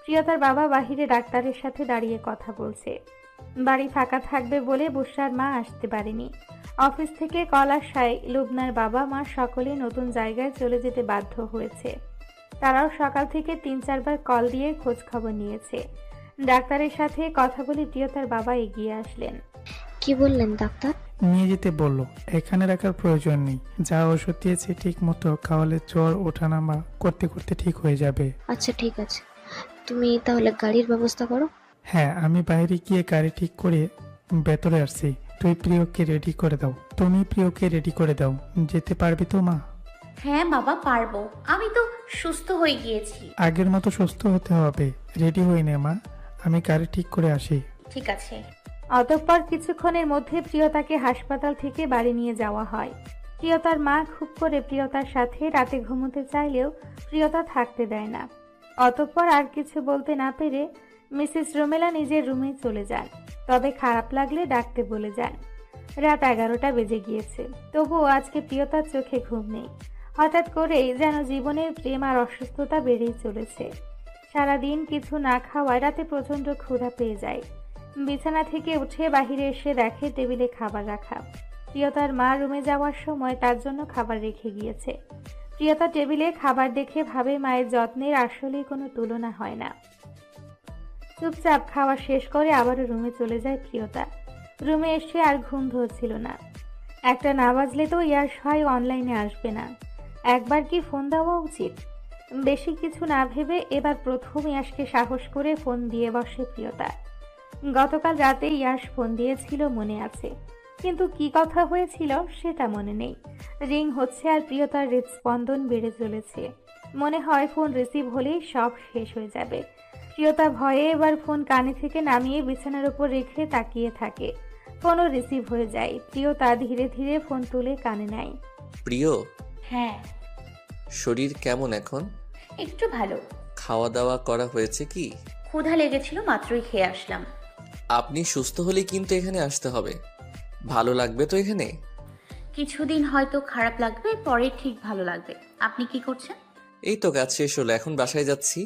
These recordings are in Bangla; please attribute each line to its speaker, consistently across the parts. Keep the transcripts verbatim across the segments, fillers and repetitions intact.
Speaker 1: প্রিয়তার বাবা বাহিরে ডাক্তারের সাথে দাঁড়িয়ে কথা বলছে। বাড়ি ফাঁকা থাকবে বলে বুশরার মা আসতে পারেনি। অফিস থেকে কল আসায় লুবনার বাবা মা সকলে নতুন জায়গায় চলে যেতে বাধ্য হয়েছে। তারাও সকাল থেকে তিন চারবার কল দিয়ে খোঁজ খবর নিয়েছে। ডাক্তারের সাথে কথা বলে প্রিয়তার বাবা এগিয়ে আসলেন।
Speaker 2: কি বললেন ডাক্তার?
Speaker 3: নিয়ে যেতে বললো, এখানে রাখার প্রয়োজন নেই। যা ওষুধ দিয়েছে ঠিক মতো খাওয়ালে জ্বর ওঠানামা করতে করতে ঠিক হয়ে যাবে।
Speaker 2: আচ্ছা ঠিক আছে, তুমি তাহলে গাড়ির ব্যবস্থা করো।
Speaker 3: হ্যাঁ, আমি বাইরে গিয়ে গাড়ি ঠিক করে ভেতরে আসছি। তুই প্রিয়কে রেডি করে দাও। তুমি প্রিয়কে রেডি করে দাও। যেতে পারবি তো মা?
Speaker 4: হ্যাঁ বাবা পারবো, আমি তো সুস্থ হয়ে গিয়েছি।
Speaker 3: আগের মতো সুস্থ হতে হবে। রেডি হয়ে নে মা, আমি গাড়ি ঠিক করে আসি।
Speaker 4: ঠিক আছে।
Speaker 1: অতঃপর কিছুক্ষণের মধ্যে প্রিয়তাকে হাসপাতাল থেকে বাড়ি নিয়ে যাওয়া হয়। প্রিয়তার মা খুব করে প্রিয়তার সাথে রাতে ঘুমোতে চাইলেও প্রিয়তা থাকতে দেয় না। অতঃপর আর কিছু বলতে না পেরে মিসেস রোমেলা নিজের রুমে চলে যান। তবে খারাপ লাগলে ডাকতে বলে যান। রাত এগারোটা বেজে গিয়েছে, তবুও আজকে প্রিয়তার চোখে ঘুম নেই। হঠাৎ করেই যেন জীবনের প্রেম আর অসুস্থতা বেড়েই চলেছে। সারাদিন কিছু না খাওয়ায় রাতে প্রচণ্ড ক্ষুধা পেয়ে যায়। বিছানা থেকে উঠে বাহিরে এসে দেখে টেবিলে খাবার রাখা। প্রিয়তার মা রুমে যাওয়ার সময় তার জন্য খাবার রেখে গিয়েছে। প্রিয়তা টেবিলে খাবার দেখে ভাবে মায়ের যত্নের আসলেই কোনো তুলনা হয় না। চুপচাপ খাওয়া শেষ করে আবারও রুমে চলে যায় প্রিয়তা। রুমে এসে আর ঘুম ধরছিল না। একটা না বাজলে তো ইয়ার সহায় অনলাইনে আসবে না। একবার কি ফোন দেওয়া উচিত? বেশি কিছু না ভেবে এবার প্রথম ইয়াসকে সাহস করে ফোন দিয়ে বসে প্রিয়তা। গতকাল রাতে ইয়াস ফোন দিয়েছিল মনে আছে, কিন্তু কি কথা হয়েছিল সেটা মনে নেই। রিং হচ্ছে আর প্রিয়তার হৃদস্পন্দন বেড়ে চলেছে। মনে হয় ফোন রিসিভ হলেই সব শেষ হয়ে যাবে। প্রিয়তা ভয়ে এবার ফোন কানে থেকে নামিয়ে বিছানার উপর রেখে তাকিয়ে থাকে। ফোনও রিসিভ হয়ে যায়। প্রিয়তা ধীরে ধীরে ফোন তুলে কানে নেয়।
Speaker 5: প্রিয়,
Speaker 4: হ্যাঁ
Speaker 5: শরীর কেমন এখন?
Speaker 4: একটু ভালো।
Speaker 5: খাওয়া দাওয়া করা হয়েছে কি?
Speaker 4: ক্ষুধা লেগেছিল, মাত্রই খেয়ে আসলাম।
Speaker 5: আপনি সুস্থ হলে কিন্তু এখানে আসতে হবে। ভালো লাগবে তো এখানে?
Speaker 4: কিছুদিন হয়তো খারাপ লাগবে, পরে ঠিক ভালো লাগবে। আপনি কি করছেন?
Speaker 5: এই তো কাজ শেষ হলো, এখন বাসায় যাচ্ছি।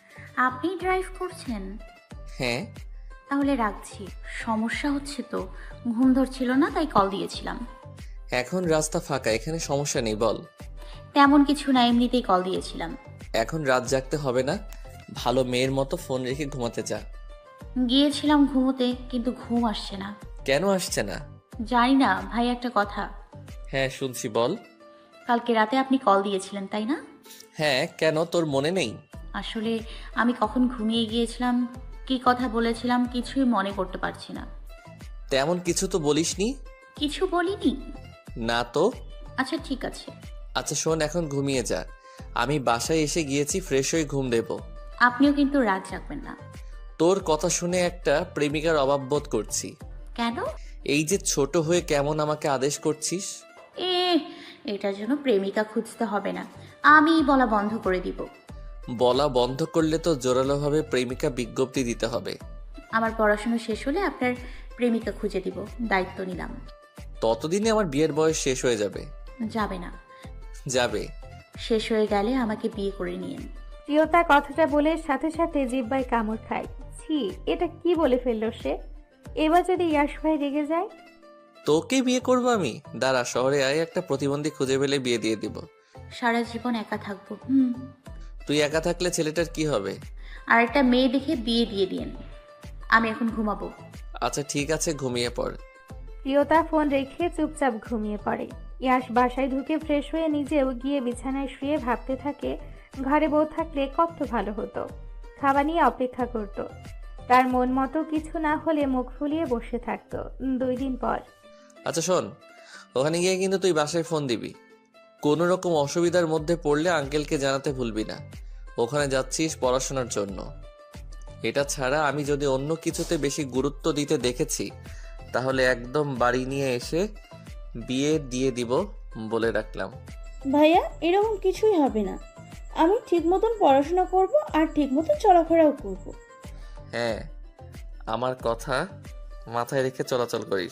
Speaker 4: আপনি ড্রাইভ করছেন?
Speaker 5: হ্যাঁ।
Speaker 4: তাহলে রাখছি, সমস্যা হচ্ছে তো। ঘুম ধরছিল না, তাই কল দিয়েছিলাম।
Speaker 5: এখন রাস্তা ফাঁকা, এখানে সমস্যা নেই, বল।
Speaker 4: তেমন কিছু না, এমনিতেই কল দিয়েছিলাম।
Speaker 5: এখন রাত জাগতে হবে না, ভালো মেয়ের মতো ফোন রেখে ঘুমাতে যা।
Speaker 4: গিয়েছিলাম ঘুমোতে, কিন্তু ঘুম আসছে না।
Speaker 5: কেন আসছে না?
Speaker 4: জানি না ভাই, একটা কথা।
Speaker 5: হ্যাঁ শুনছি, বল।
Speaker 4: কালকে রাতে আপনি কল দিয়েছিলেন তাই না?
Speaker 5: হ্যাঁ, কেন তোর মনে নেই?
Speaker 4: আসলে আমি কখন ঘুমিয়ে গিয়েছিলাম, কি কথা বলেছিলাম কিছুই মনে করতে পারছি না।
Speaker 5: তেমন কিছু তো বলিসনি।
Speaker 4: কিছু বলিনি।
Speaker 5: না তো।
Speaker 4: আচ্ছা ঠিক আছে।
Speaker 5: আচ্ছা শোন, এখন ঘুমিয়ে যা। আমি বাসায় এসে গিয়েছি, ফ্রেশ হয়ে ঘুম দেব।
Speaker 4: আপনিও কিন্তু রাত জাগবেন না।
Speaker 5: তোর কথা শুনে একটা প্রেমিকার অভাব বোধ করছি।
Speaker 4: কেন?
Speaker 5: এই যে ছোট হয়ে কেমন আমাকে আদেশ করছিস।
Speaker 4: এ এটার জন্য প্রেমিকা খুঁজতে হবে না, আমি বলা বন্ধ করে দিব।
Speaker 5: বলা বন্ধ করলে তো জোরালোভাবে প্রেমিকা বিজ্ঞপ্তি দিতে হবে।
Speaker 4: আমার পড়াশোনা শেষ হলে আপনার প্রেমিকা খুঁজে দিব, দায়িত্ব নিলাম।
Speaker 5: ততদিনে আমার বিয়ের বয়স শেষ হয়ে যাবে।
Speaker 4: যাবে না।
Speaker 5: যাবে।
Speaker 4: শেষ হয়ে গেলে আমাকে বিয়ে করে নিয়েন।
Speaker 1: প্রিয়তা কথাটা বলে সাথে সাথে জিহ্বায় কামড় খায়। ছি, এটা কি বলে ফেললো সে? এবার যদি ইয়াশ ভাই রেগে যায়?
Speaker 5: তোকে বিয়ে করবো আমি? দাঁড়া, শহরে আয়, একটা প্রতিবন্ধী খুঁজে পেলে বিয়ে দিয়ে দিব।
Speaker 4: সারা জীবন একা থাকবো। হুম।
Speaker 5: তুই একা থাকলে ছেলেটার কি হবে?
Speaker 4: আর একটা মেয়ে দেখে বিয়ে দিয়ে দিয়েন। আমি এখন ঘুমাবো।
Speaker 5: আচ্ছা ঠিক আছে, ঘুমিয়ে পড়।
Speaker 1: প্রিয়তা ফোন রেখে চুপচাপ ঘুমিয়ে পড়ে। ইয়াশ বাসায় ঢুকে ফ্রেশ হয়ে নিজেও গিয়ে বিছানায় শুয়ে ভাবতে থাকে ঘরে বউ থাকলে কত ভালো হতো। খাবার নিয়ে অপেক্ষা করত। তার মন মতো কিছু না হলে মুখ ফুলিয়ে বসে থাকতো। দুই দিন পর।
Speaker 5: আচ্ছা শোন, ওখানে গিয়ে কিন্তু তুই বাসায় ফোন দিবি। কোনো রকম অসুবিধার মধ্যে পড়লে আঙ্কেলকে জানাতে ভুলবি না। ওখানে যাচ্ছিস পড়াশোনার জন্য। এটা ছাড়া আমি যদি অন্য কিছুতে বেশি গুরুত্ব দিতে দেখেছি, তাহলে একদম বাড়ি নিয়ে এসে বিয়ে দিয়ে দিব বলে রাখলাম।
Speaker 6: ভাইয়া, এরকম কিছুই হবে না। আমি ঠিক মতন পড়াশোনা করব আর ঠিক মতন চলাফেরাও করব।
Speaker 5: হ্যাঁ, আমার কথা মাথায় রেখে চলাচল করিস।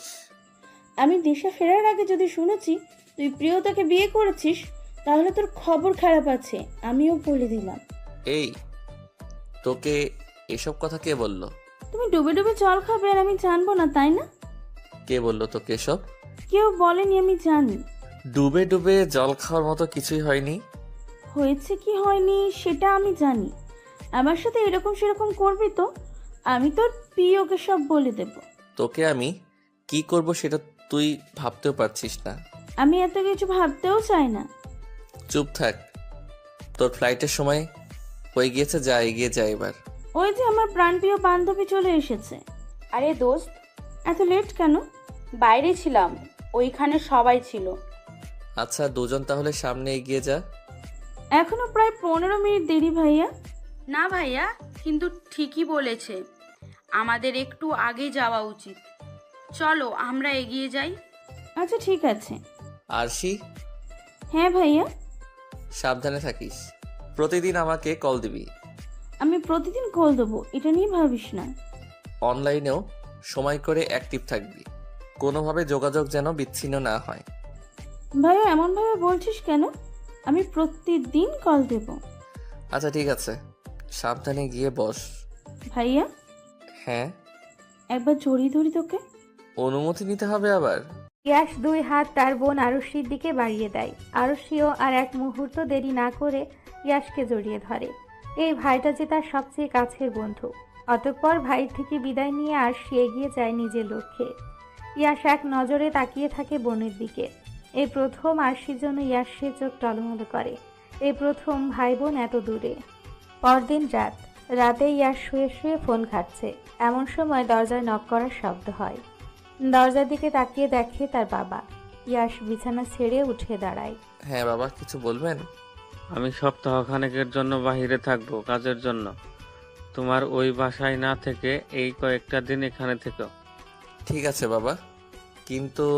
Speaker 6: আমি দিশা ফেরার আগে যদি শুনেছি তুই প্রিয়তাকে বিয়ে করেছিস, তাহলে তোর খবর খারাপ আছে, আমিও বলে দিলাম।
Speaker 5: এই, তোকে এসব কথা কে বললো?
Speaker 6: তুমি ডুবে ডুবে জল খাবে আর আমি জানবো না, তাই না?
Speaker 5: কে বললো তোকে এসব?
Speaker 6: কেউ বলেনি, আমি জানি।
Speaker 5: ডুবে ডুবে জল খাওয়ার মতো কিছুই হয়নি।
Speaker 6: হয়েছে কি হয়নি সেটা আমি জানি। আমার সাথে এরকম সেরকম করবি তো আমি তোর প্রিয়কে সব বলে দেব।
Speaker 5: তোকে আমি কি করব সেটা তুই ভাবতেও পারছিস না।
Speaker 6: আমি এত কিছু ভাবতেও চাই না।
Speaker 5: চুপ থাক, তোর ফ্লাইটের সময় হয়ে গিয়েছে, যা এগিয়ে যা এবার।
Speaker 6: ওই যে আমার প্রাণপ্রিয় বান্ধবী চলে এসেছে।
Speaker 7: আরে দোস্ত,
Speaker 6: এত লেট কেন?
Speaker 7: বাইরে ছিলাম, ওইখানে সবাই ছিল।
Speaker 5: আচ্ছা দুজন তাহলে সামনে এগিয়ে যা।
Speaker 6: এখনো প্রায় পনেরো মিনিট দেরি ভাইয়া।
Speaker 7: না ভাইয়া, কিন্তু ঠিকই বলেছে, আমাদের একটু আগে যাওয়া উচিত। চলো আমরা এগিয়ে যাই।
Speaker 6: আচ্ছা ঠিক আছে।
Speaker 5: আরশি,
Speaker 6: হ্যাঁ ভাইয়া।
Speaker 5: সাবধানে থাকিস, প্রতিদিন আমাকে কল দিবি।
Speaker 6: আমি প্রতিদিন কল দেবো, এটা নিয়ে ভাবিস না।
Speaker 5: অনলাইনেও সময় করে অ্যাক্টিভ থাকবি, কোনোভাবে যোগাযোগ যেন বিচ্ছিন্ন না হয়।
Speaker 6: ভাইয়া এমনভাবে বলছিস কেন? আমি প্রতিদিন কল দেব।
Speaker 5: আচ্ছা ঠিক আছে, সাবধানে গিয়ে বস।
Speaker 6: ভাইয়া
Speaker 5: হ্যাঁ,
Speaker 6: একবার জড়িয়ে ধরি তোকে।
Speaker 5: অনুমতি নিতে হবে আবার?
Speaker 1: ইয়াশ দুই হাত তার বোন আরুষির দিকে বাড়িয়ে দেয়। আরুষিও আর এক মুহূর্ত দেরি না করে ইয়াশকে জড়িয়ে ধরে। এই ভাইটা যে তার সবচেয়ে কাছের বন্ধু। অতঃপর ভাইয়ের থেকে বিদায় নিয়ে আরশি এগিয়ে যায় নিজের লক্ষ্যে। ইয়াশ এক নজরে তাকিয়ে থাকে বোনের দিকে। এই প্রথম আরশির জন্য ইয়াশের চোখ টলমল করে। এই প্রথম ভাই বোন এত দূরে। পরদিন রাত রাতে ইয়াশ শুয়ে শুয়ে ফোন ঘাটছে, এমন সময় দরজায় নক করার শব্দ হয়। দরজার দিকে তাকিয়ে দেখে তার বাবা। ইয়াশ বিছানা ছেড়ে উঠে দাঁড়ায়।
Speaker 5: হ্যাঁ বাবা, কিছু বলবেন?
Speaker 8: আমি সপ্তাহখানেকের জন্য বাইরে থাকবো কাজের জন্য। তোমার ওই বাসায় না থেকে এই কয়েকটা দিন এখানে থেকো।
Speaker 5: ঠিক আছে বাবা, কিন্তু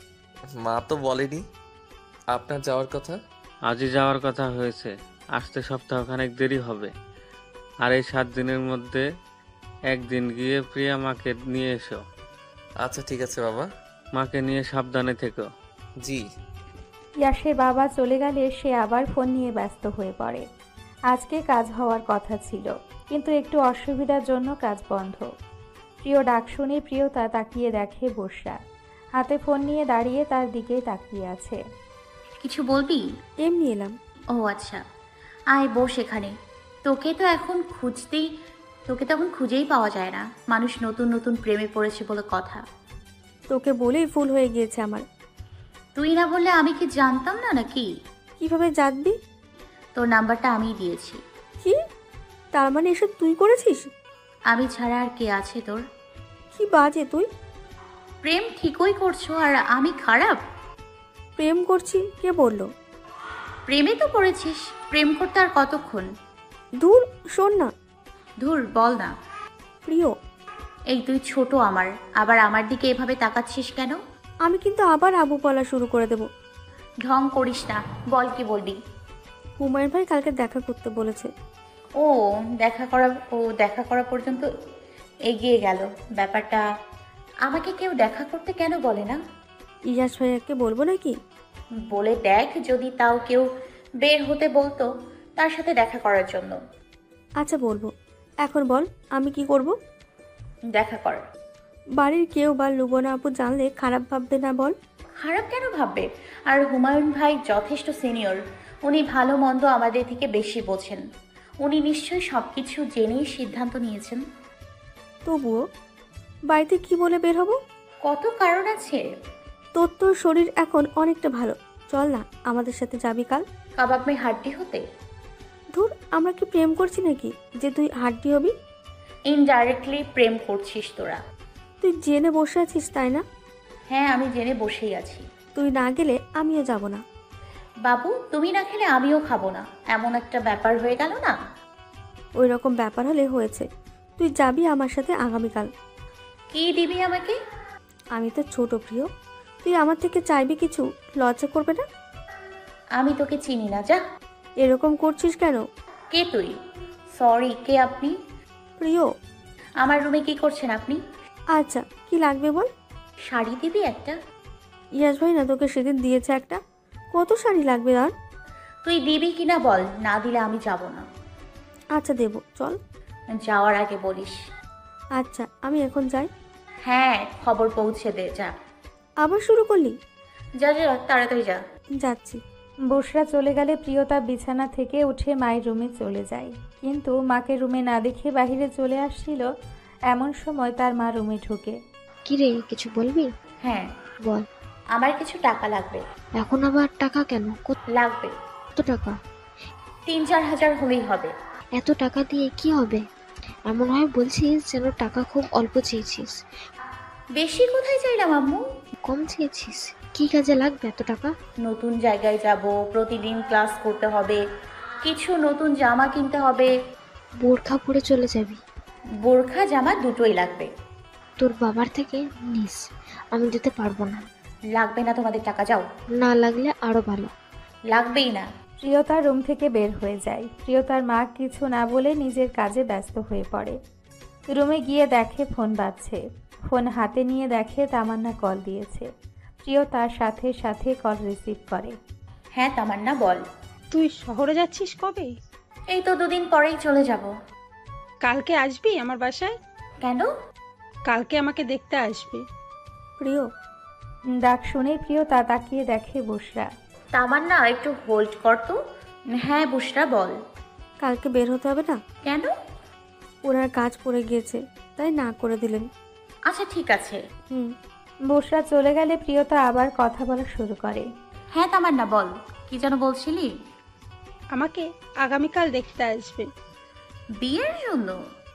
Speaker 5: মা তো বলেনি আপনার যাওয়ার কথা।
Speaker 8: আজই যাওয়ার কথা হয়েছে, আসতে সপ্তাহখানেক দেরি হবে। আর এই সাত দিনের মধ্যে একদিন গিয়ে প্রিয়া মাকে নিয়ে এসো।
Speaker 5: আচ্ছা ঠিক আছে বাবা।
Speaker 8: মাকে নিয়ে সাবধানে থেকো।
Speaker 5: জি।
Speaker 1: ইয়াশের বাবা চলে গেলে সে আবার ফোন নিয়ে ব্যস্ত হয়ে পড়ে। আজকে কাজ হওয়ার কথা ছিল, কিন্তু একটু অসুবিধার জন্য কাজ বন্ধ। প্রিয় ডাক শুনে প্রিয়তা তাকিয়ে দেখে বর্ষা হাতে ফোন নিয়ে দাঁড়িয়ে তার দিকেই তাকিয়ে আছে।
Speaker 4: কিছু বলবি?
Speaker 2: এমনি এলাম।
Speaker 4: ও আচ্ছা, আয় বস এখানে। তোকে তো এখন খুঁজতেই তোকে তো এখন খুঁজেই পাওয়া যায় না। মানুষ নতুন নতুন প্রেমে পড়েছে বলে কথা।
Speaker 2: তোকে বলেই ভুল হয়ে গিয়েছে আমার।
Speaker 4: তুই না বললে আমি কি জানতাম না নাকি?
Speaker 2: কিভাবে জানবি?
Speaker 4: তোর নাম্বারটা আমিই দিয়েছি।
Speaker 2: কি? তার মানে এসব তুই করেছিস?
Speaker 4: আমি ছাড়া আর কে আছে তোর?
Speaker 2: কি বাজে তুই!
Speaker 4: প্রেম ঠিকই করছো আর আমি খারাপ?
Speaker 2: প্রেম করছি কে বললো?
Speaker 4: প্রেমে তো পড়েছিস, প্রেম করতে আর কতক্ষণ?
Speaker 2: দূর, শোন না।
Speaker 4: ধুর, বল না।
Speaker 2: প্রিয়,
Speaker 4: এই তুই ছোট আমার, আবার আমার দিকে এভাবে তাকাচ্ছিস কেন?
Speaker 2: আমি কিন্তু আবার আবু বলা শুরু করে দেব।
Speaker 4: ঢং করিস না, বল কি বলবি?
Speaker 2: হুমায়ুন ভাই কালকে দেখা করতে বলেছে।
Speaker 4: ও দেখা করা ও দেখা করা পর্যন্ত এগিয়ে গেল ব্যাপারটা। আমাকে কেউ দেখা করতে কেন বলে না?
Speaker 2: ইয়াস ভাইয়াকে বলবো নাকি?
Speaker 4: বলে দেখ, যদি তাও কেউ বের হতে বলতো তার সাথে দেখা করার জন্য।
Speaker 2: আচ্ছা বলবো। এখন বল আমি কি করব?
Speaker 4: দেখা কর।
Speaker 2: বাড়ির কেউ বা লুবনা আপু জানলে খারাপ ভাববে না বল?
Speaker 4: খারাপ কেন ভাববে? আর হুমায়ুন ভাই যথেষ্ট সিনিয়র, উনি ভালো মন্দ আমাদের থেকে বেশি বোঝেন। উনি নিশ্চয়ই সব কিছু জেনেই সিদ্ধান্ত নিয়েছেন।
Speaker 2: তবুও বাড়িতে কি বলে বের হব?
Speaker 4: কত কারণ আছে।
Speaker 2: তোর তোর শরীর এখন অনেকটা ভালো, চল না আমাদের সাথে যাবি কাল।
Speaker 4: কাবাব মে হাড্ডি হতে?
Speaker 2: ধুর, আমরা কি প্রেম করছি নাকি যে তুই হাড্ডি হবি?
Speaker 4: ইনডাইরেক্টলি প্রেম করছিস তোরা।
Speaker 2: তুই জেনে বসে আছিস তাই না?
Speaker 4: হ্যাঁ, আমি জেনে বসেই আছি।
Speaker 2: তুই না গেলে আমিও যাব না।
Speaker 4: বাবু, তুমি না খেলে আমিও খাবো না, এমন একটা ব্যাপার হয়ে গেল না?
Speaker 2: ওই রকম ব্যাপার হলে হয়েছে। তুই যাবি আমার সাথে আগামীকাল।
Speaker 4: কি দিবি আমাকে?
Speaker 2: আমি তো ছোট প্রিয়, তুই আমার থেকে চাইবি কিছু, লজ্জা করবে না?
Speaker 4: আমি তোকে চিনি না, যা।
Speaker 2: এরকম করছিস কেন?
Speaker 4: কে তুই? সরি, কে আপনি?
Speaker 2: প্রিয়।
Speaker 4: আমার রুমে কি করছেন আপনি?
Speaker 2: আচ্ছা কি লাগবে বল?
Speaker 4: শাড়ি দিবি একটা?
Speaker 2: ইয়াস ভাই না তোকে সেদিন দিয়েছে একটা। কত শাড়ি লাগবে আর?
Speaker 4: তুই দিবি কিনা বল, না দিলে আমি যাব না।
Speaker 2: আচ্ছা দেবো, চল।
Speaker 4: যাওয়ার আগে বলিস।
Speaker 2: আচ্ছা আমি এখন যাই।
Speaker 4: হ্যাঁ, খবর পৌঁছে দে, যা।
Speaker 2: আবার শুরু করলি?
Speaker 4: যা যা, তাড়াতাড়ি যা।
Speaker 2: যাচ্ছি।
Speaker 1: বসরা চলে গেলে প্রিয়তা বিছানা থেকে উঠে মায়ের রুমে চলে যায়, কিন্তু মাকে রুমে না দেখে বাইরে চলে আসছিল। এমন সময় তার মা রুমে ঢুকে।
Speaker 9: কি রে, কিছু বলবি?
Speaker 4: হ্যাঁ
Speaker 9: বল।
Speaker 4: আমার কিছু টাকা লাগবে।
Speaker 9: এখন আবার টাকা কেন? কত
Speaker 4: লাগবে।
Speaker 9: টাকা?
Speaker 4: তিন চার হাজার হলেই হবে।
Speaker 9: এত টাকা দিয়ে কি হবে? এমন হয় বলছিস যেন টাকা খুব অল্প চেয়েছিস।
Speaker 4: বেশি কোথায় চাইলাম আম্মু?
Speaker 9: কম চেয়েছিস? কি কাজে লাগবে এত টাকা?
Speaker 4: নতুন জায়গায় যাব, প্রতিদিন ক্লাস করতে হবে, কিছু নতুন জামা কিনতে হবে।
Speaker 9: বোরখা পরে চলে যাবি?
Speaker 4: বোরখা জামা দুটোই লাগবে।
Speaker 9: তোর বাবার থেকে নিস, আমি দিতে পারবো না।
Speaker 4: লাগবে না তোমাদের টাকা, যাও।
Speaker 9: না লাগলে আরো ভালো।
Speaker 4: লাগবেই না।
Speaker 1: প্রিয়তার রুম থেকে বের হয়ে যায়। প্রিয়তার মা কিছু না বলে নিজের কাজে ব্যস্ত হয়ে পড়ে। রুমে গিয়ে দেখে ফোন বাজছে। ফোন হাতে নিয়ে দেখে তামান্না কল দিয়েছে। প্রিয়তার সাথে সাথে কল রিসিভ করে।
Speaker 4: হ্যাঁ তামান্না, বল।
Speaker 10: তুই শহরে যাচ্ছিস কবে?
Speaker 4: এই তো দুদিন পরেই চলে যাব।
Speaker 10: কালকে আসবি আমার বাসায়?
Speaker 4: কেন?
Speaker 10: কালকে আমাকে দেখতে আসবি।
Speaker 2: প্রিয়।
Speaker 1: ডাক শুনে প্রিয়তা তাকিয়ে দেখে বসরা।
Speaker 4: তামান্না একটু হোল্ড কর তো। হ্যাঁ বুশরা, বল।
Speaker 2: কালকে বের হতে হবে না?
Speaker 4: কেন?
Speaker 2: ওনার কাজ পড়ে গিয়েছে, তাই না করে দিলেন।
Speaker 4: আচ্ছা ঠিক আছে।
Speaker 2: হুম।
Speaker 1: বসরা চলে গেলে প্রিয়তা আবার কথা বলা শুরু করে।
Speaker 4: হ্যাঁ তামান্না, বল, কি যেন বলছিলি?
Speaker 10: আমাকে আগামীকাল দেখতে আসবে।
Speaker 4: বিয়ের জন্য?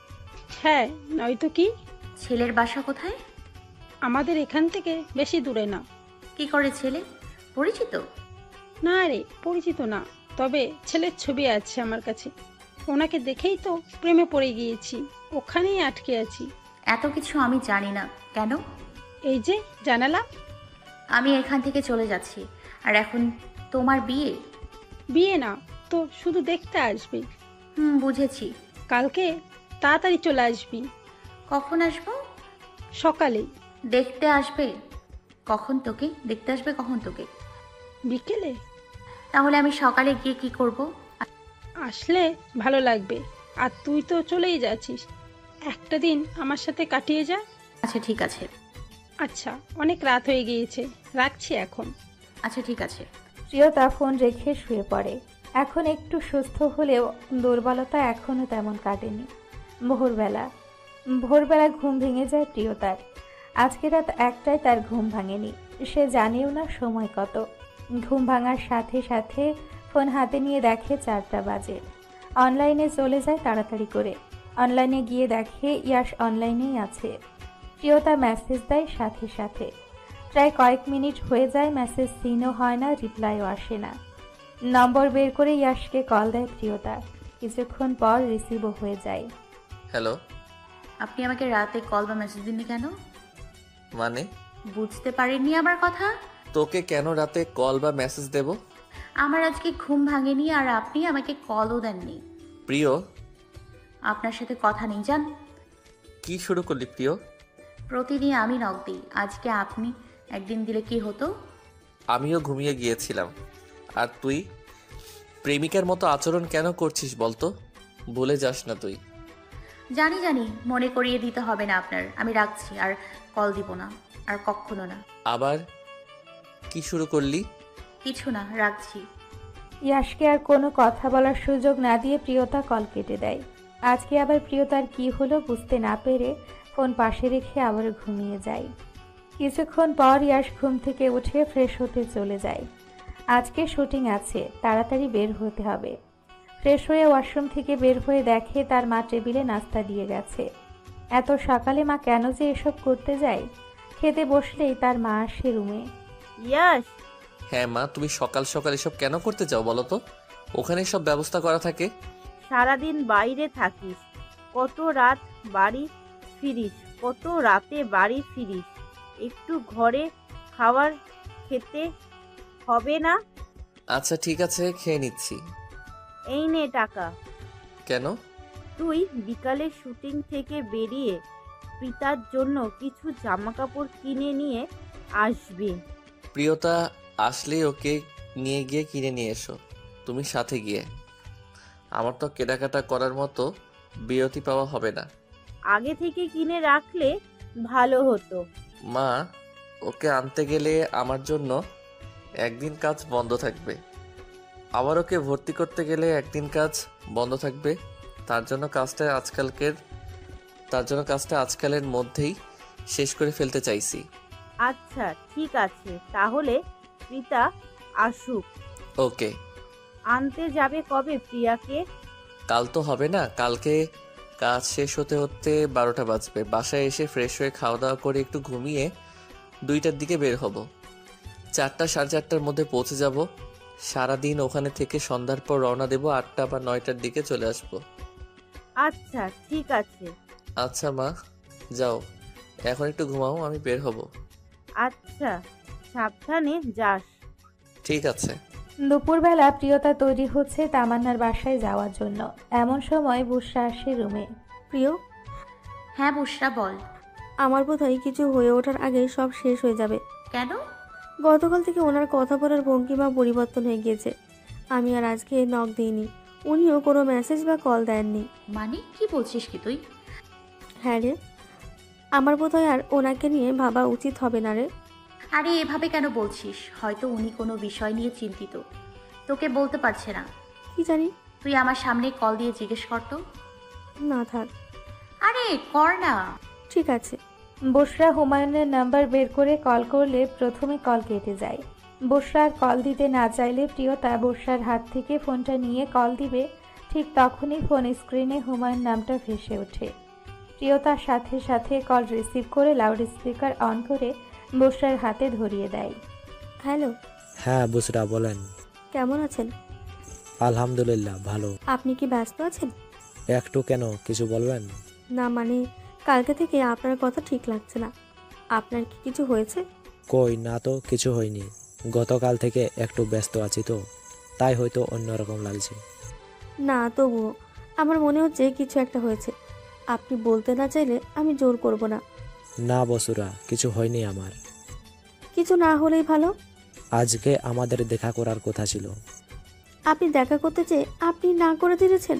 Speaker 10: হ্যাঁ, নয়তো কি?
Speaker 4: ছেলের বাসা কোথায়?
Speaker 10: আমাদের এখান থেকে বেশি দূরে না।
Speaker 4: কি করে ছেলে? পরিচিত?
Speaker 10: না রে, পরিচিত না, তবে ছেলের ছবি আছে আমার কাছে। ওনাকে দেখেই তো প্রেমে পড়ে গিয়েছি, ওখানেই আটকে আছি।
Speaker 4: এত কিছু আমি জানি না। কেন?
Speaker 10: এই যে জানালাম।
Speaker 4: আমি এখান থেকে চলে যাচ্ছি। আর এখন তোমার বিয়ে?
Speaker 10: বিয়ে না তো, শুধু দেখতে আসবি।
Speaker 4: হুম, বুঝেছি।
Speaker 10: কালকে তাড়াতাড়ি চলে আসবি।
Speaker 4: কখন আসবো?
Speaker 10: সকালেই।
Speaker 4: দেখতে আসবে কখন তোকে? দেখতে আসবে কখন তোকে?
Speaker 10: বিকেলে।
Speaker 4: তাহলে আমি সকালে গিয়ে কি করব?
Speaker 10: আসলে ভালো লাগবে। আর তুই তো চলেই যাচ্ছিস, একটা দিন আমার সাথে কাটিয়ে যা।
Speaker 4: আচ্ছা ঠিক আছে।
Speaker 10: আচ্ছা, অনেক রাত হয়ে গিয়েছে, রাখছি এখন।
Speaker 4: আচ্ছা ঠিক আছে।
Speaker 1: প্রিয়তা ফোন রেখে শুয়ে পড়ে। এখন একটু সুস্থ হলেও দুর্বলতা এখনও তেমন কাটেনি। ভোরবেলা ভোরবেলা ঘুম ভেঙে যায় প্রিয়তার। আজকে রাত একটায় তার ঘুম ভাঙেনি। সে জানেও না সময় কত। ঘুম ভাঙার সাথে সাথে ফোন হাতে নিয়ে দেখে চারটা বাজে। অনলাইনে চলে যায় তাড়াতাড়ি করে। অনলাইনে গিয়ে দেখে ইয়াশ অনলাইনেই আছে। প্রিয়তা মেসেজ দেয় সাথে সাথে। প্রায় কয়েক মিনিট হয়ে যায়, মেসেজ সিনও হয় না, রিপ্লাইও আসে না। নম্বর বের করে ইয়াশকে কল দেয় প্রিয়তা। কিছুক্ষণ পর রিসিভও হয়ে যায়।
Speaker 5: হ্যালো।
Speaker 4: আপনি আমাকে রাতে কল বা মেসেজ দিননি কেন?
Speaker 5: মানে?
Speaker 4: বুঝতে পারেননি আমার কথা?
Speaker 5: তোকে কেন রাতে কল বা মেসেজ দেব?
Speaker 4: আমার আজকে ঘুম ভাঙেনি আর আপনি আমাকে কলও দেননি।
Speaker 5: প্রিয়,
Speaker 4: আপনার সাথে কথা নেই, যান।
Speaker 5: কি শুরু করলি প্রিয়?
Speaker 4: প্রতিদিন আমি নক দিই, আজকে আপনি একদিন দিলে কি হতো?
Speaker 5: আমিও ঘুমিয়ে গিয়েছিলাম। আর তুই প্রেমিকার মতো আচরণ কেন করছিস বলতো? ভুলে যাস না তুই।
Speaker 4: জানি জানি, মনে করিয়ে দিতে হবে না আপনার। আমি রাখছি, আর কল দিব না, আর কখনো না।
Speaker 5: আবার কি শুরু করলি?
Speaker 4: কিছু না, রাখছি।
Speaker 1: ইয়াশকে আর কোনো কথা বলার সুযোগ না দিয়ে প্রিয়তা কল কেটে দেয়। আজকে আবার প্রিয়তার কি হলো বুঝতে না পেরে ফোন পাশে রেখে আবার ঘুমিয়ে যায়। কিছুক্ষণ পর ইয়াশ ঘুম থেকে উঠে ফ্রেশ হতে চলে যায়। আজকে শুটিং আছে, তাড়াতাড়ি বের হতে হবে। ফ্রেশ হয়ে ওয়াশরুম থেকে বের হয়ে দেখে তার মা টেবিলে নাস্তা দিয়ে গেছে। এত সকালে মা কেন যে এসব করতে যায়? খেতে বসলেই তার মা আসে রুমে।
Speaker 6: ইয়াশ,
Speaker 5: হ্যাঁ মা, তুমি সকাল সকাল এসব কেন করতে চাও বলো তো? ওখানে সব ব্যবস্থা করা থাকে।
Speaker 6: সারাদিন বাইরে থাকিস, কত রাত বাড়ি ফিরিস, কত রাতে বাড়ি ফিরিস, একটু ঘরে খাবার খেতে হবে না?
Speaker 5: আচ্ছা ঠিক আছে, খেয়ে নিচ্ছি।
Speaker 6: এই নে টাকা।
Speaker 5: কেন?
Speaker 6: তুই বিকালে শুটিং থেকে বেরিয়ে পিতার জন্য কিছু জামা কাপড় কিনে নিয়ে আসবি।
Speaker 5: প্রিয়তা আসলেই ওকে নিয়ে গিয়ে কিনে নিয়ে এসো, তুমি সাথে গিয়ে। আমার তো কেনাকাটা করার মতো বিরতি পাওয়া হবে না।
Speaker 6: আগে থেকে কিনে রাখলে ভালো হতো।
Speaker 5: মা, ওকে আনতে গেলে আমার জন্য একদিন কাজ বন্ধ থাকবে, আবার ওকে ভর্তি করতে গেলে একদিন কাজ বন্ধ থাকবে। তার জন্য কাজটা আজকালকের তার জন্য কাজটা আজকালের মধ্যেই শেষ করে ফেলতে চাইছি।
Speaker 6: আচ্ছা ঠিক আছে, তাহলে প্রীতা আসুক।
Speaker 5: ওকে।
Speaker 6: আনতে যাবে কবে প্রিয়াকে?
Speaker 5: কাল তো হবে না, কালকে কাজ শেষ হতে হতে বারোটা বাজবে। বাসায় এসে ফ্রেশ হয়ে খাওয়া দাওয়া করে একটু ঘুমিয়ে দুইটার দিকে বের হব। চারটা সাড়ে চারটার মধ্যে পৌঁছে যাব। সারাদিন ওখানে থেকে সন্ধ্যার পর রওনা দেব, আটটা বা নয়টার দিকে চলে আসব।
Speaker 6: আচ্ছা ঠিক আছে।
Speaker 5: আচ্ছা মা, যাও, এখন একটু ঘুমাও, আমি বের হব।
Speaker 6: আচ্ছা, সাবধানে যাস।
Speaker 5: ঠিক আছে।
Speaker 1: দুপুরবেলা প্রিয়তা তৈরি হচ্ছে তামান্নার বাসায় যাওয়ার জন্য। এমন সময় বুশরা আসে রুমে।
Speaker 2: প্রিয়,
Speaker 4: হ্যাঁ বুশরা বল।
Speaker 2: আমার বোধহয় কিছু হয়ে ওঠার আগে সব শেষ হয়ে যাবে।
Speaker 4: কেন?
Speaker 2: গতকাল থেকে ওনার কথা বলার ভঙ্গিমা পরিবর্তন হয়ে গিয়েছে। আমি আর আজকে নক দিইনি, উনিও কোনো মেসেজ বা কল দেননি।
Speaker 4: মানে কি বলছিস কি তুই?
Speaker 2: হ্যাঁ রে, আমার বোধহয় আর ওনাকে নিয়ে ভাবা উচিত হবে না রে।
Speaker 4: আরে এভাবে কেন বলছিস? হয়তো উনি কোনো বিষয় নিয়ে চিন্তিত, তোকে বলতে পারছে না।
Speaker 2: কি জানি।
Speaker 4: তুই আমার সামনে কল দিয়ে জিজ্ঞেস কর তো।
Speaker 2: না থাক।
Speaker 4: আরে কর না।
Speaker 2: ঠিক আছে।
Speaker 1: বুশরা হুমায়ুনের নাম্বার বের করে কল করলে প্রথমে কল কেটে যায়। বুশরার কল দিতে না চাইলে প্রিয়তা বুশরার হাত থেকে ফোনটা নিয়ে কল দিবে, ঠিক তখনই ফোন স্ক্রিনে হুমায়ুন নামটা ভেসে ওঠে। প্রিয়তার সাথে সাথে কল রিসিভ করে লাউড স্পিকার অন করে বুশরার হাতে ধরিয়ে দেয়।
Speaker 2: হ্যালো।
Speaker 11: হ্যাঁ বুশরা বলেন।
Speaker 2: কেমন আছেন?
Speaker 11: আলহামদুলিল্লাহ ভালো।
Speaker 2: আপনি কি ব্যস্ত আছেন?
Speaker 11: একটু কেন, কিছু বলবেন?
Speaker 2: না মানে কালকে থেকে আপনার কথা ঠিক লাগছে না। আপনার কি কিছু হয়েছে?
Speaker 11: কই না তো, কিছু হয়নি। গতকাল থেকে একটু ব্যস্ত আছি তো, তাই হয়তো অন্যরকম লাগছে।
Speaker 2: না তবুও আমার মনে হচ্ছে কিছু একটা হয়েছে। আপনি বলতে না চাইলে আমি জোর করব না।
Speaker 11: না বসুরা, কিছু হয়নি আমার।
Speaker 2: কিছু না হলেই ভালো।
Speaker 11: আজকে আমাদের দেখা করার কথা ছিল।
Speaker 2: আপনি দেখা করতে চেয়ে আপনি না করে দিয়েছেন।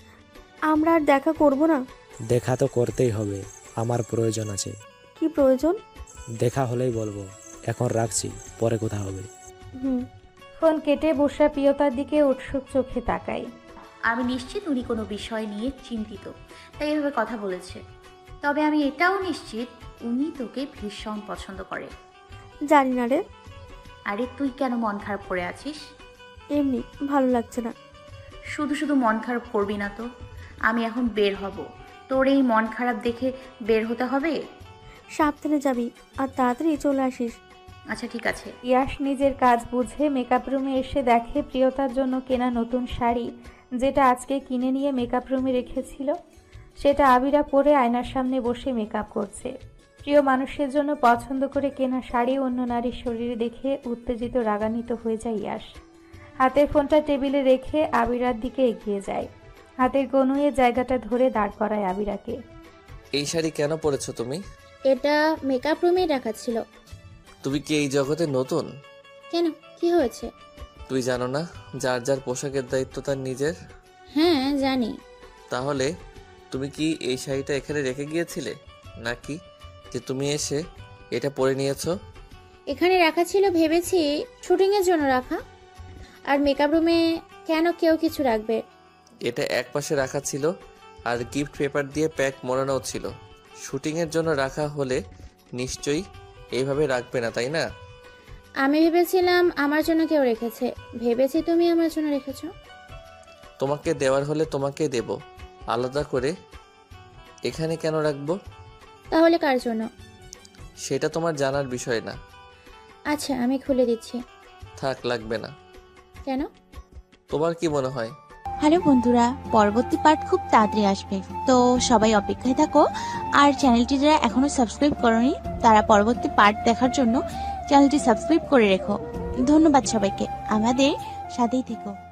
Speaker 2: আমরা আর দেখা করব না।
Speaker 11: দেখা তো করতেই হবে, আমার প্রয়োজন আছে।
Speaker 2: কি প্রয়োজন?
Speaker 11: দেখা হলেই বলবো। এখন রাখছি, পরে কথা হবে।
Speaker 2: হুম।
Speaker 1: ফোন কেটে বুশরা প্রিয়তার দিকে উৎসুক চোখে তাকায়।
Speaker 4: আমি নিশ্চিত উনি কোনো বিষয় নিয়ে চিন্তিত, তাই এভাবে কথা বলেছে। তবে আমি এটাও নিশ্চিত উনি তোকে ভীষণ পছন্দ করে।
Speaker 2: জানি না রে।
Speaker 4: আরে তুই কেন মন খারাপ করে আছিস?
Speaker 2: এমনি ভালো লাগছে না।
Speaker 4: শুধু শুধু মন খারাপ করবি না তো। আমি এখন বের হব, তোর এই মন খারাপ দেখে বের হতে হবে।
Speaker 2: সাবধানে যাবি আর তাড়াতাড়ি চলে আসিস।
Speaker 4: আচ্ছা ঠিক আছে।
Speaker 1: ইয়াশ নিজের কাজ বুঝে মেকআপ রুমে এসে দেখে প্রিয়তার জন্য কেনা নতুন শাড়ি, যেটা আজকে কিনে নিয়ে মেকআপ রুমে রেখেছিল, সেটা আবিরা পরে আয়নার সামনে বসে মেকআপ করছে। প্রিয় মানুষের জন্য পছন্দ করে কেনা শাড়ি অন্য নারীর শরীরে দেখে উত্তেজিত রাগান্বিত হয়ে যায় ইয়াশ। হাতের ফোনটা টেবিলে রেখে আবিরার দিকে এগিয়ে যায়। হাতের কনুয়ে জায়গাটা ধরে দাঁড় করায় আবিরাকে।
Speaker 5: এই শাড়ি কেন পরেছো তুমি?
Speaker 12: এটা মেকআপ রুমেই রাখা ছিল।
Speaker 5: তুমি কি এই জগতে নতুন?
Speaker 12: কেন, কি হয়েছে?
Speaker 5: তুই জানো না যার যার পোশাকের দায়িত্ব তার নিজের?
Speaker 12: হ্যাঁ জানি।
Speaker 5: তাহলে তুমি কি এই শাড়িটা এখানে রেখে গিয়েছিলে, নাকি যে তুমি এসে এটা পরে নিয়েছো?
Speaker 12: এখানে রাখা ছিল, ভেবেছি শুটিংয়ের জন্য রাখা। আর মেকআপ রুমে কেন কেউ কিছু রাখবে?
Speaker 5: এটা এক পাশে রাখা ছিল আর গিফট পেপার দিয়ে প্যাক মোড়ানো ছিল। শুটিংয়ের জন্য রাখা হলে নিশ্চয়ই এইভাবে রাখবে না, তাই না?
Speaker 12: আমি ভেবেছিলাম আমার জন্য কেউ রেখেছে। ভেবেছি তুমি আমার জন্য রেখেছো।
Speaker 5: তোমাকে দেওয়ার হলে তোমাকে দেব, আলাদা করে এখানে কেন রাখবো?
Speaker 12: তাহলে কার জন্য?
Speaker 5: সেটা তোমার জানার বিষয় না।
Speaker 12: আচ্ছা আমি খুলে দিচ্ছি।
Speaker 5: থাক, লাগবে না।
Speaker 12: কেন?
Speaker 5: তোমার কি মনে হয়?
Speaker 13: হ্যালো বন্ধুরা, পরবর্তী পার্ট খুব তাড়াতাড়ি আসবে, তো সবাই অপেক্ষায় থাকো। আর চ্যানেলটি যারা এখনো সাবস্ক্রাইব করোনি তারা পরবর্তী পার্ট দেখার জন্য চ্যানেলটি সাবস্ক্রাইব করে রেখো। ধন্যবাদ সবাইকে, আমাদের সাথেই থেকো।